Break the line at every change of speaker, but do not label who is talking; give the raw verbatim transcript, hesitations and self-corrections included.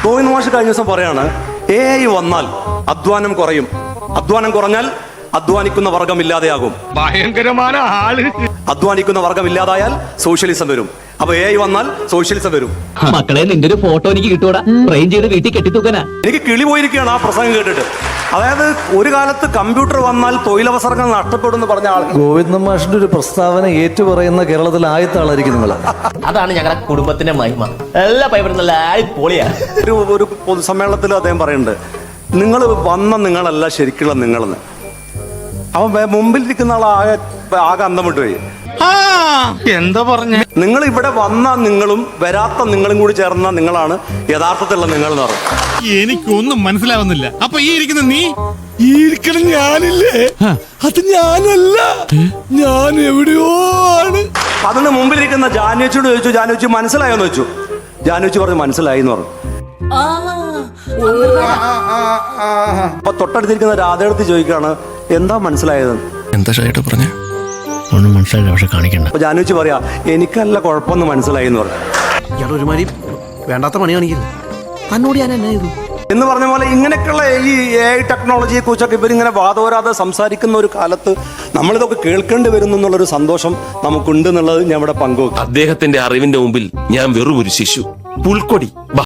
ഗോവിന്ദ് മാഷ് കഴിഞ്ഞ ദിവസം പറയാണ് എ ഐ വന്നാൽ അധ്വാനം കുറയും, അധ്വാനം കുറഞ്ഞാൽ അധ്വാനിക്കുന്ന വർഗം ഇല്ലാതെയാകും,
ഭയങ്കരമായ ആള്.
അധ്വാനിക്കുന്ന വർഗം ഇല്ലാതായാൽ സോഷ്യലിസം വരും. അപ്പൊ എ ഐ വന്നാൽ സോഷ്യലിസം വരും.
മക്കളെ, നിന്റെ ഒരു ഫോട്ടോ എനിക്ക് കിട്ടൂടാ, ഫ്രെയിം ചെയ്ത് വീട്ടിൽ കെട്ടിത്തൂക്കാനാ.
എനിക്ക് കിളി പോയിരിക്കുകയാണ് ആ പ്രസംഗം കേട്ടിട്ട്. അതായത് ഒരു കാലത്ത് കമ്പ്യൂട്ടർ വന്നാൽ തൊഴിലവസരങ്ങൾ നഷ്ടപ്പെടും എന്ന് പറഞ്ഞ ആൾ
ഗോവിന്ദ മാഷിന്റെ ഒരു പ്രസ്താവന ഏറ്റുപറയുന്ന കേരളത്തിലെ ആദ്യത്തെ ആളായിരിക്കും നിങ്ങൾ.
അതാണ് ഞങ്ങളുടെ കുടുംബത്തിന്റെ മഹിമ. എല്ലാ പൈപ്പറും നല്ല പൊളിയാ.
ഒരു ഒരു പൊതുസമ്മേളനത്തിൽ അദ്ദേഹം പറയുന്നുണ്ട്, നിങ്ങൾ വന്ന നിങ്ങളല്ല ശരിക്കുള്ള നിങ്ങളെന്ന്. അവൻ മുമ്പിലിരിക്കുന്ന ആൾ ആകെ ആകെ അന്തം വിട്ടുപോയി.
എന്താ പറഞ്ഞ?
നിങ്ങൾ ഇവിടെ വന്ന നിങ്ങളും വരാത്ത നിങ്ങളും കൂടി ചേർന്ന നിങ്ങളാണ് യഥാർത്ഥത്തിലുള്ള നിങ്ങൾ എന്ന് പറഞ്ഞു.
എനിക്കൊന്നും മനസ്സിലാവുന്നില്ല. അപ്പൊ ഈ ഇരിക്കുന്ന നീ, ഈ ഇരിക്കണ ഞാനില്ലേ, അത് ഞാനല്ല, ഞാൻ എവിടെയോ ആണ്.
അതിന് മുമ്പിലിരിക്കുന്ന ജാനുവച്ചിയോട് ചോദിച്ചു, ജാനുവച്ചി മനസ്സിലായോന്ന് ചോദിച്ചു. ജാനുവച്ചി പറഞ്ഞു മനസ്സിലായി എന്ന് പറഞ്ഞു. അപ്പൊ തൊട്ടടുത്തിരിക്കുന്ന രാധയെടുത്ത് ചോദിക്കുകയാണ് എന്താ മനസ്സിലായത്.
എന്താ ഷായിട്ട് പറഞ്ഞ
ഒന്നും മനസ്സിലായില്ല, പക്ഷെ കാണിക്കണ്ട.
അപ്പൊ ജാനുവച്ചി പറയാ എനിക്കല്ല കുഴപ്പമൊന്നും മനസ്സിലായി എന്ന് പറഞ്ഞു.
ഇയാൾ ഒരുമാതിരി വേണ്ടാത്ത പണി കാണിക്കുന്നു. തന്നോട് ഞാൻ എന്നാ ചെയ്തു
എന്ന് പറഞ്ഞ പോലെ ഇങ്ങനെയൊക്കെയുള്ള ഈ എ ഐ ടെക്നോളജിയെ കുറിച്ചൊക്കെ ഇവരിങ്ങനെ വാദോരാതെ സംസാരിക്കുന്ന ഒരു കാലത്ത് നമ്മളിതൊക്കെ കേൾക്കേണ്ടി വരുന്നു എന്നുള്ളൊരു സന്തോഷം നമുക്കുണ്ട് എന്നുള്ളത് ഞാൻ ഇവിടെ പങ്കുവെക്കും.
അദ്ദേഹത്തിന്റെ അറിവിന്റെ മുമ്പിൽ ഞാൻ വെറും ഒരു ശിശു, പുൽക്കൊടി.